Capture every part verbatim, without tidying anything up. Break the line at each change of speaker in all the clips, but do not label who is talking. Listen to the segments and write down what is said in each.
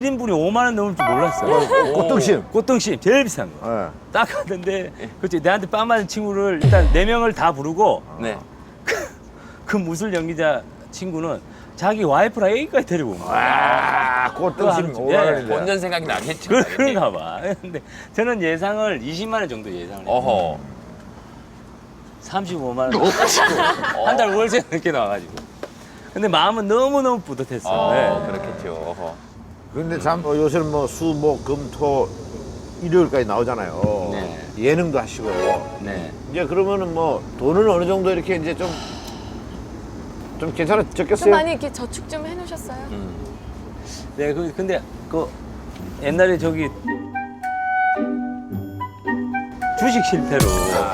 일 인분이 오만 원 넘을 줄 몰랐어요.
꽃등심.
꽃등심 제일 비싼 거.
네.
딱 갔는데 그치 내한테 빵 맞은 친구를 일단 네 명을 다 부르고
네.
그 무술 연기자 친구는 자기 와이프랑 애기까지 데리고 온 거야.
와, 꽃등심
그거
오만
예.
원인데.
본전 생각이 나겠죠.
그,
당연히.
그런가 봐. 근데 저는 예상을 이십만 원 정도 예상을 했어요.
어허.
삼십오만 원 한 달 월세 늦게 나와가지고. 근데 마음은 너무너무 뿌듯했어요.
어,
네.
그렇겠죠. 어허.
근데 참 어, 요새는 뭐 수, 목, 금, 토, 일요일까지 나오잖아요.
네.
예능도 하시고.
네.
이제 그러면은 뭐 돈은 어느 정도 이렇게 이제 좀, 좀
좀
괜찮아졌겠어요?
많이 이렇게 저축 좀 해놓으셨어요?
음.
네, 그, 근데 그 옛날에 저기 주식 실패로.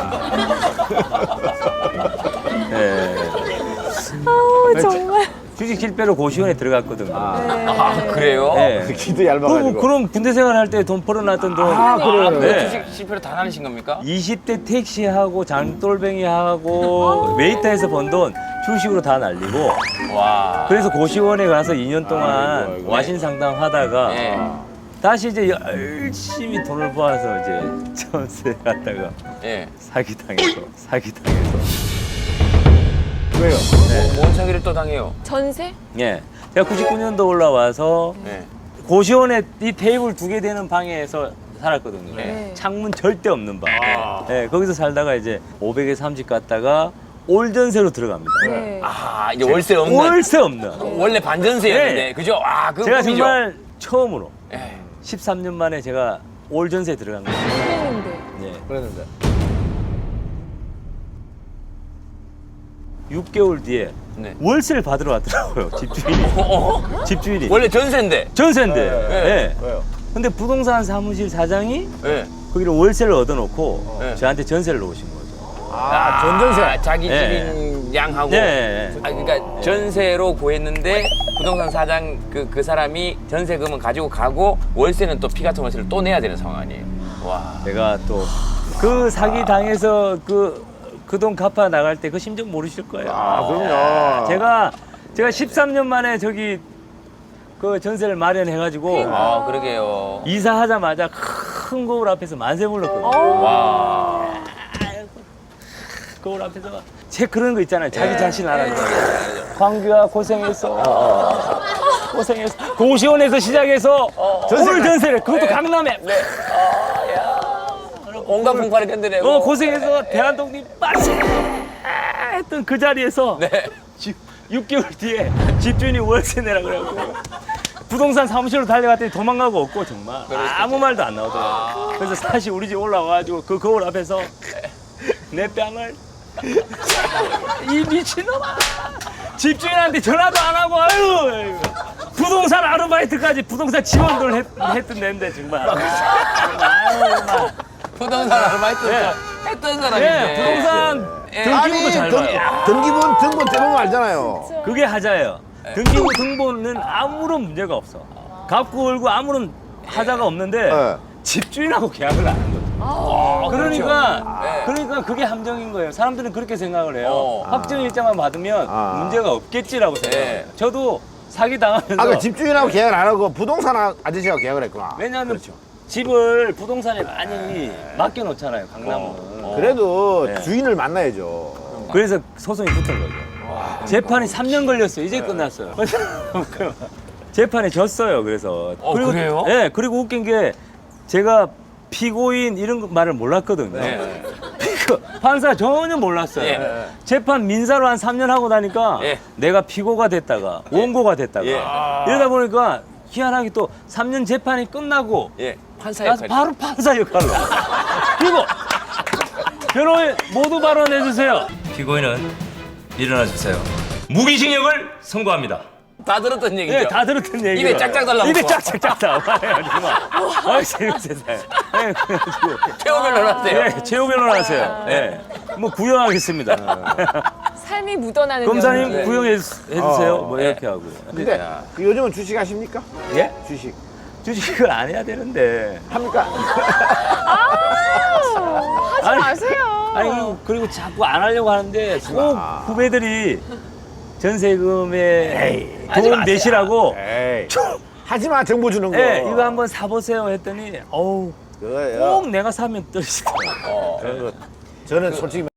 네.
아 정말.
주식 실패로 고시원에 들어갔거든요.
아, 그래요?
네.
기도 얇아가지고.
그럼, 그럼 군대 생활할 때 돈 벌어놨던 돈.
아, 그래요?
아, 그
네.
주식 실패로 다 나누신 겁니까?
이십 대 택시하고 장돌뱅이하고 웨이터에서 번 돈 주식으로 다 날리고
와.
그래서 고시원에 가서 이 년 동안
아이고, 아이고.
와신 상담 하다가
네.
다시 이제 열심히 돈을 모아서 이제 전세 갔다가
예.
사기당해서 사기당해서
왜요?
뭐, 뭔 사기를 또 당해요?
전세?
예 제가 구십구 년도 올라와서
예.
고시원에 이 테이블 두 개 되는 방에서 살았거든요.
네.
창문 절대 없는 방.
아.
예, 거기서 살다가 이제 오백에 삼십 갔다가 올전세로 들어갑니다.
네.
아, 이제 월세 없는.
월세 없는.
원래 반전세였는데,
네.
그죠? 아, 그
제가
꿈이죠?
정말 처음으로
예.
십삼 년 만에 제가 올전세 들어간 거예요.
그랬는데.
예.
그랬는데.
육 개월 뒤에
네.
월세를 받으러 왔더라고요. 집주인이.
어?
집주인이.
원래 전세인데.
전세인데.
네.
예.
왜요?
근데 부동산 사무실 사장이
예.
거기를 월세를 얻어놓고
네.
저한테 전세를 놓으신 거죠.
아, 전전세.
아, 자기
네.
집인 양하고.
네.
아, 그러니까 전세로 구했는데 부동산 사장 그, 그 사람이 전세금은 가지고 가고 월세는 또 피 같은 월세를 또 내야 되는 상황 아니에요? 와.
제가 또 그 사기 당해서 그 그 돈 갚아 나갈 때 그 심정 모르실 거예요.
아, 그럼요.
제가 제가 십삼 년 만에 저기 그 전세를 마련해가지고
아, 그러게요.
이사하자마자 큰 거울 앞에서 만세 불렀거든요.
어.
와.
거울 앞에서 제 그런 거 있잖아요. 자기
예.
자신 알아요. 광규야 고생했어. 고생했어. 고시원에서 시작해서 오늘 전세를 그것도 강남에.
온갖 분파를 견뎌내고.
어 고생해서 대한독립 빠세 했던 그 자리에서
네.
지- 육 개월 뒤에 집주인이 월세 내라 그래갖고 부동산 사무실로 달려갔더니 도망가고 없고 정말 아무 말도 안 나오더라고요. 그래서 다시 우리 집 올라와가지고 그 거울 앞에서 내 뺨을 이 미친놈아 집주인한테 전화도 안 하고 아유 부동산 아르바이트까지 부동산 지원을 했, 했던 데인데 정말 아유 정말
부동산 아르바이트
네.
했던 사람인데.
예, 부동산
예.
등기부도 잘
등,
봐요.
등기분, 등본 대부분 알잖아요.
그게 하자예요. 등기부 등본은 아무런 문제가 없어. 갚고 울고 아무런 하자가 없는데
네.
집주인하고 계약을 안 한 거죠.
아,
그러니까
네.
그러니까 그게 함정인 거예요. 사람들은 그렇게 생각을 해요.
어.
확정 일자만 받으면
아.
문제가 없겠지라고 생각해요.
네.
저도 사기 당하면서
아, 그 집주인하고 계약을 안 하고 부동산 아- 아저씨하고 계약을 했구나.
왜냐하면
그렇죠.
집을 부동산에 많이 맡겨놓잖아요. 강남은.
어.
그래도
네.
주인을 만나야죠.
그래서 소송이 붙은 거죠. 재판이 삼 년 걸렸어요. 이제 끝났어요. 재판에 졌어요. 그래서.
어, 그래요?
네. 그리고 웃긴 게 제가 피고인 이런 거 말을 몰랐거든요.
네.
그 판사 전혀 몰랐어요.
예.
재판 민사로 한 삼 년 하고 나니까
예.
내가 피고가 됐다가 원고가 됐다가
예.
이러다 보니까 희한하게 또 삼 년 재판이 끝나고
예. 판사
나서
역할.
바로 판사 역할로. 그리고 변호인 모두 발언해 주세요. 피고인은 일어나 주세요. 무기징역을 선고합니다.
다 들었던 얘기죠.
네, 다 들었던 얘기.
입에 짝짝 달라붙어.
입에 짝짝짝 달라붙어. 아, 재밌어요. 네, 그래가지고.
최후 변호사세요.
네, 최후 변호하세요. 네. 뭐 구형하겠습니다.
삶이 묻어나는
검사님
연기.
구형해 주- 해주세요.
어,
뭐
네.
이렇게 하고.
근데
야.
그 요즘은 주식 하십니까?
예?
주식.
주식을 안 해야 되는데.
합니까?
하지
아니,
마세요.
아니 그리고, 그리고 자꾸 안 하려고 하는데 꼭
마.
후배들이 전세금에
하지
돈
마세요.
내시라고
에이.
좀
하지 마 정보 주는 거.
네, 이거 한번 사보세요 했더니 어우
그거예요.
꼭 내가 사면 떨어지더라고요.
어.
그거 저는 솔직히